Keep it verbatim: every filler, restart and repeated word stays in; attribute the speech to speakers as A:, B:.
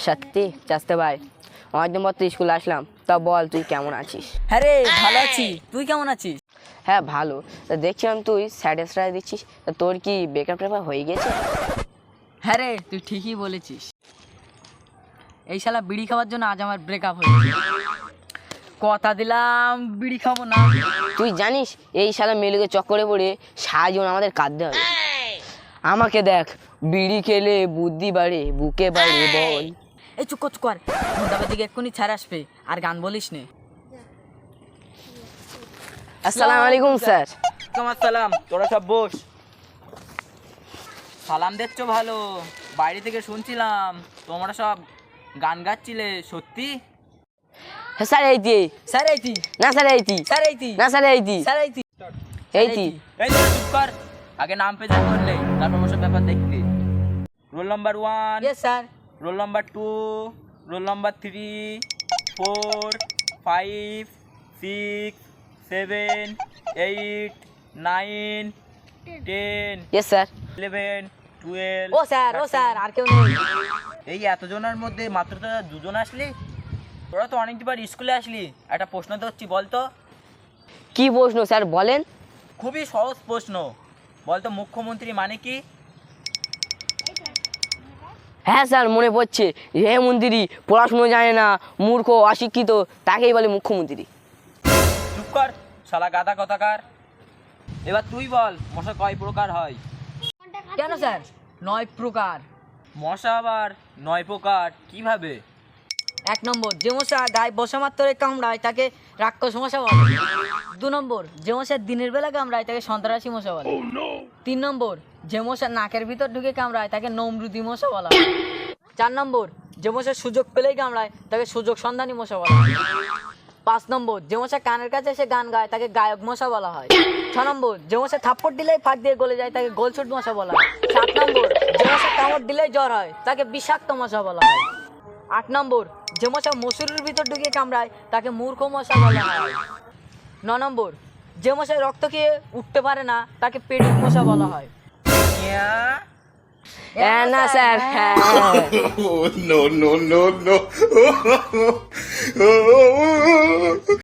A: সত্যি চাস্তে ভাই অনেকদিন পর তুই স্কুলে আসলাম, তা বল তুই কেমন আছিস?
B: হ্যাঁ রে, ভালো আছি। তুই কেমন আছিস?
A: হ্যাঁ ভালো। তা দেখছিলাম তুই স্যাটিসফাই দিচ্ছিস, তা তোর কি ব্রেকআপ টেকআপ হয়ে গেছে?
B: হ্যাঁ রে, তুই ঠিকই বলেছিস। এই শালা বিড়ি খাওয়ার জন্য আজ আমার ব্রেকআপ হয়েছে। কথা দিলাম বিড়ি খাবো না।
A: তুই জানিস এই শালা মেয়েগুলোকে চক্করে পড়ে সারা জীবন আমাদের কাঁদতে হবে। আমাকে দেখ, বিড়ি খেলে বুদ্ধি বাড়ে, বুকে বাড়ে বল।
B: এই চুপ কর চুপ কর, ঘন্টাবার দিকে এক্ষুনি ছাড় আসবে, আর গান বলিস নে।
A: আসসালামু আলাইকুম স্যার।
C: তোমার সালাম, তোরা সব বস। সালাম দিচ্ছ ভালো, বাইরে থেকে শুনছিলাম তোমরা সব গান গাচ্ছিলে, সত্যি?
A: হ্যাঁ স্যার এইটি।
B: স্যার এইটি,
A: না স্যার এইটি।
B: স্যার এইটি,
A: না স্যার এইটি।
B: স্যার এইটি,
A: এইটি।
C: এই তোরা চুপ কর, আগে নাম প্রেজেন্ট করলে তারপর ওসব ব্যাপার দেখতে। Roll number one,
B: yes sir.
C: Roll number two, roll number three, four, five, six, seven, eight, nine, ten,
A: yes sir.
C: Eleven, twelve.
B: ও স্যার, ও স্যার, আর কেউ নেই?
C: এই এতজনের মধ্যে মাত্র তোরা দুজন আসলি? তোরা তো অনেকবার স্কুলে আসলি, একটা প্রশ্ন তো হচ্ছি, বলতো।
A: কি প্রশ্ন স্যার বলেন?
C: খুবই সহজ প্রশ্ন, বলতো মুখ্যমন্ত্রী মানে কি?
A: হ্যাঁ স্যার মনে পড়ছে, হে মন্ত্রী পড়াশুনো জানে না, মূর্খ অশিক্ষিত, তাকেই বলে মুখ্যমন্ত্রী।
C: চুপ কর শালা গাদা কথাকার। এবার তুই বল, মশা কয় প্রকার হয়?
B: কেন স্যার? নয় প্রকার।
C: মশা আবার নয় প্রকার কিভাবে?
B: এক নম্বর, যে মশা গায়ে বসা মাত্রে কামড়ায় তাকে রাক্ষস মশা বলে। দু নম্বর, যে মশা দিনের বেলা কামড়ায় তাকে সন্ত্রাসী মশা বলে। তিন নম্বর, যে মশা নাকের ভিতর ঢুকে কামড়ায় তাকে নমরুদি মশা বলা হয়। চার নম্বর, যে মশা সুযোগ পেলেই কামড়ায় তাকে সুযোগ সন্ধানী মশা বলা হয়। পাঁচ নম্বর, যে মশা কানের কাছে এসে গান গায় তাকে গায়ক মশা বলা হয়। ছ নম্বর, যে মশা থাপ্পড় দিলেই ফাঁক দিয়ে গলে যায় তাকে গোলছুট মশা বলা হয়। সাত নম্বর, যে মশা কামড় দিলেই জ্বর হয় তাকে বিষাক্ত মশা বলা হয়। আট নম্বর, যে মশা মসুরির ভিতর ঢুকে কামড়ায় তাকে মূর্খ মশা বলা হয়। ন নম্বর, যে মশা রক্ত খেয়ে উঠতে পারে না তাকে পেডিক মশা বলা হয়।
C: ইয়া?
A: হ্যাঁ না স্যার, হ্যাঁ।
D: Oh, no, no, no, no.